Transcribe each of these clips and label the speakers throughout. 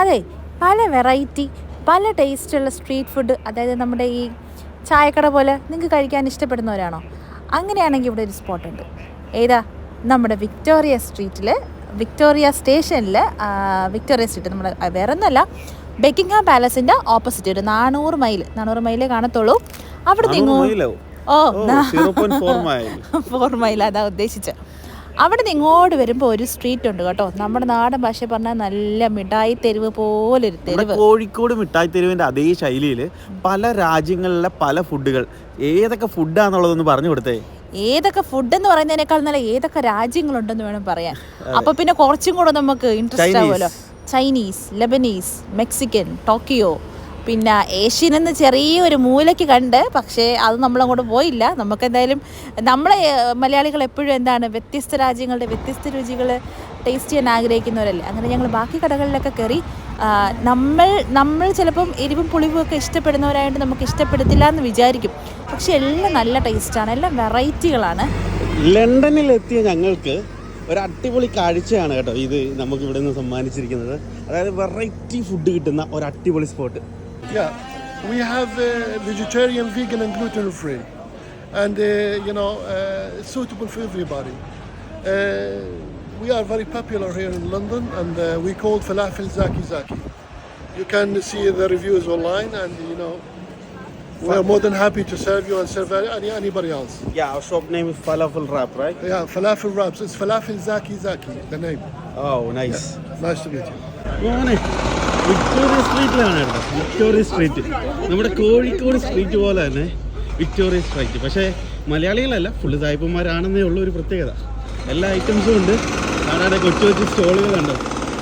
Speaker 1: അതെ, പല വെറൈറ്റി പല ടേസ്റ്റുള്ള സ്ട്രീറ്റ് ഫുഡ്, അതായത് നമ്മുടെ ഈ ചായക്കട പോലെ നിങ്ങൾക്ക് കഴിക്കാൻ ഇഷ്ടപ്പെടുന്നവരാണോ? അങ്ങനെയാണെങ്കിൽ ഇവിടെ ഒരു സ്പോട്ടുണ്ട്. ഏതാ? നമ്മുടെ വിക്ടോറിയ സ്ട്രീറ്റിൽ, വിക്ടോറിയ സ്റ്റേഷനിൽ, വിക്ടോറിയ സ്ട്രീറ്റ് നമ്മുടെ വേറെ ഒന്നുമല്ല, ബക്കിംഗ്ഹാം പാലസിൻ്റെ ഓപ്പോസിറ്റ് ഒരു 400 മൈലേ കാണത്തുള്ളൂ. അവിടെ നിങ്ങൾ 4 മൈൽ അതാ ഉദ്ദേശിച്ചത്. അവിടെ നിന്ന് ഇങ്ങോട്ട് വരുമ്പോൾ ഒരു സ്ട്രീറ്റ് ഉണ്ട് കേട്ടോ, നമ്മുടെ നാടൻ ഭാഷ പറഞ്ഞാൽ നല്ല മിഠായി തെരുവ് പോലൊരു തെരുവ്.
Speaker 2: കോഴിക്കോട് മിഠായി തെരുവിൻ്റെ അതേ ശൈലിയിൽ പല രാജ്യങ്ങളിലെ പല ഫുഡുകൾ. ഏതൊക്കെ ഫുഡാന്നുള്ളതൊന്ന് പറഞ്ഞു കൊടുത്തേ.
Speaker 1: ഏതൊക്കെ ഫുഡ് എന്ന് പറയുന്നതിനേക്കാൾ നല്ല ഏതൊക്കെ രാജ്യങ്ങളുണ്ടെന്ന് വേണം പറയാൻ. അപ്പൊ പിന്നെ കുറച്ചും കൂടെ നമുക്ക് ഇൻട്രസ്റ്റ് ആവുമല്ലോ. ചൈനീസ്, ലെബനീസ്, മെക്സിക്കൻ, ടോക്കിയോ, പിന്നെ ഏഷ്യൻ എന്ന് ചെറിയൊരു മൂലയ്ക്ക് കണ്ട്, പക്ഷേ അത് നമ്മളങ്ങോട്ട് പോയില്ല. നമുക്കെന്തായാലും നമ്മളെ മലയാളികൾ എപ്പോഴും എന്താണ്, വ്യത്യസ്ത രാജ്യങ്ങളുടെ വ്യത്യസ്ത രുചികൾ ടേസ്റ്റ് ചെയ്യാൻ ആഗ്രഹിക്കുന്നവരല്ലേ. അങ്ങനെ ഞങ്ങൾ ബാക്കി കടകളിലൊക്കെ കയറി. നമ്മൾ ചിലപ്പം എരിവും പുളിവും ഒക്കെ ഇഷ്ടപ്പെടുന്നവരായിട്ട് നമുക്ക് ഇഷ്ടപ്പെടത്തില്ല എന്ന് വിചാരിക്കും, പക്ഷെ എല്ലാം നല്ല ടേസ്റ്റാണ്, എല്ലാം വെറൈറ്റികളാണ്.
Speaker 2: ലണ്ടനിലെത്തിയ ഞങ്ങൾക്ക് ഒരു അടിപൊളി കാഴ്ചയാണ് കേട്ടോ ഇത് നമുക്ക് ഇവിടെ നിന്ന് സമ്മാനിച്ചിരിക്കുന്നത്. അതായത് വെറൈറ്റി ഫുഡ് കിട്ടുന്ന ഒരു അടിപൊളി spot.
Speaker 3: Yeah, we have vegetarian, vegan and gluten free, and suitable for everybody. We are very popular here in London, and we call falafel Zaki Zaki. You can see the reviews online, and we are more than happy to serve you and serve anybody else.
Speaker 2: Yeah, our shop name is Falafel Wrap, right?
Speaker 3: Yeah, Falafel Wraps. It's Falafel Zaki Zaki, the name.
Speaker 2: Oh, nice.
Speaker 3: Yeah, nice to meet you.
Speaker 2: Victoria സ്ട്രീറ്റിലാണ് കേട്ടോ, Victoria street. നമ്മുടെ Kozhikode street പോലെ തന്നെ Victoria street. പക്ഷേ മലയാളികളല്ല, full സായിപ്പന്മാരാണെന്നേ ഉള്ളൂ ഒരു പ്രത്യേകത. എല്ലാ ഐറ്റംസും ഉണ്ട്. അവിടെ കൊച്ചു കൊച്ചു സ്റ്റോളുകളുണ്ട്.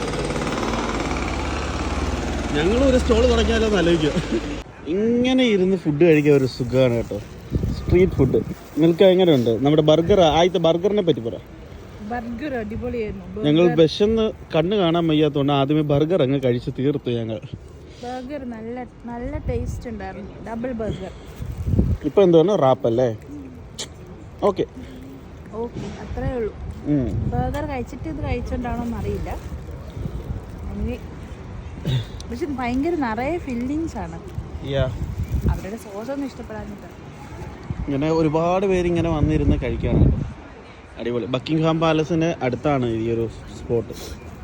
Speaker 2: ഞങ്ങളും ഒരു സ്റ്റോൾ തുടങ്ങിയാലോ എന്ന് ആലോചിക്കുക. ഇങ്ങനെ ഇരുന്ന് ഫുഡ് കഴിക്കാൻ ഒരു സുഖമാണ് കേട്ടോ, സ്ട്രീറ്റ് ഫുഡ്. നിങ്ങൾക്ക് എങ്ങനെയുണ്ട് നമ്മുടെ ബർഗർ? ആദ്യത്തെ ബർഗറിനെ പറ്റി പറ.
Speaker 1: ബർഗർ അടിപൊളിയായിരുന്നു.
Speaker 2: ഞങ്ങൾ വിശന്ന് കണ്ണ് കാണാൻ വയ്യാത്തതുകൊണ്ട് ആദ്യമേ ബർഗർ അങ്ങ് കഴിച്ച് തീർത്തു ഞങ്ങൾ.
Speaker 1: ബർഗർ നല്ല ടേസ്റ്റ് ഉണ്ടായിരുന്നു, ഡബിൾ ബർഗർ.
Speaker 2: ഇപ്പൊ എന്താണ് റാപ്പ് അല്ലേ? ഓക്കെ
Speaker 1: അത്രേ ഉള്ളൂ. ബർഗർ കഴിച്ചിട്ട് ഇത് കഴിച്ചോണ്ടാണോന്ന് അറിയില്ല, പക്ഷെ ഭയങ്കര നിറയെ ഫില്ലിങ്സ് ആണ്. അവരുടെ സോസ് ഒന്നും ഇഷ്ടപ്പെടാഞ്ഞിട്ട്
Speaker 2: ഇങ്ങനെ ഒരുപാട് പേര് ഇങ്ങനെ വന്നിരുന്ന് കഴിക്കാനാണ്. അടിപൊളി. ബക്കിംഗ്ഹാം പാലസിന് അടുത്താണ് ഈ ഒരു സ്പോട്ട്.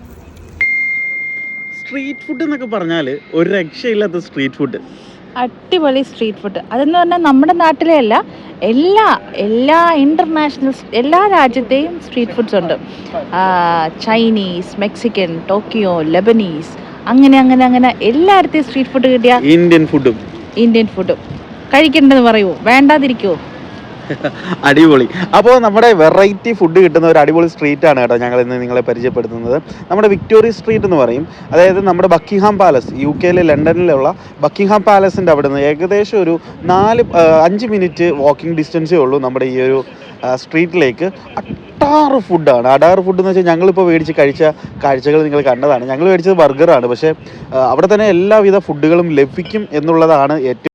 Speaker 2: സ്ട്രീറ്റ് ഫുഡ് എന്നൊക്കെ പറഞ്ഞാൽ ഒരു രക്ഷയില്ലാത്ത സ്ട്രീറ്റ് ഫുഡ്,
Speaker 1: അടിപൊളി സ്ട്രീറ്റ് ഫുഡ്. അതെന്ന് പറഞ്ഞാൽ നമ്മുടെ നാട്ടിലെ അല്ല, എല്ലാ ഇന്റർനാഷണൽ എല്ലാ രാജ്യത്തെയും സ്ട്രീറ്റ് ഫുഡ്സ് ഉണ്ട്. ചൈനീസ്, മെക്സിക്കൻ, ടോക്കിയോ, ലെബനീസ്, അങ്ങനെ എല്ലായിടത്തെയും സ്ട്രീറ്റ് ഫുഡ് കിട്ടിയ
Speaker 2: ഇന്ത്യൻ ഫുഡും
Speaker 1: കഴിക്കണ്ടെന്ന് പറയുമോ? വേണ്ടാതിരിക്കുമോ?
Speaker 2: അടിപൊളി. അപ്പോൾ നമ്മുടെ വെറൈറ്റി ഫുഡ് കിട്ടുന്ന ഒരു അടിപൊളി സ്ട്രീറ്റാണ് കേട്ടോ ഞങ്ങൾ ഇന്ന് നിങ്ങളെ പരിചയപ്പെടുത്തുന്നത്. നമ്മുടെ വിക്ടോറിയ സ്ട്രീറ്റ് എന്ന് പറയും. അതായത് നമ്മുടെ ബക്കിംഗ്ഹാം പാലസ്, UK ലണ്ടനിലുള്ള ബക്കിംഗ്ഹാം പാലസിൻ്റെ അവിടെ നിന്ന് ഏകദേശം ഒരു 5 മിനിറ്റ് വാക്കിംഗ് ഡിസ്റ്റൻസേ ഉള്ളൂ നമ്മുടെ ഈ ഒരു സ്ട്രീറ്റിലേക്ക്. അടാറ് ഫുഡാണ്. ഫുഡ് എന്ന് വെച്ചാൽ ഞങ്ങളിപ്പോൾ മേടിച്ച് കഴിച്ച കാഴ്ചകൾ നിങ്ങൾ കണ്ടതാണ്. ഞങ്ങൾ മേടിച്ചത് ബർഗറാണ്, പക്ഷേ അവിടെ തന്നെ എല്ലാവിധ ഫുഡുകളും ലഭിക്കും എന്നുള്ളതാണ് ഏറ്റവും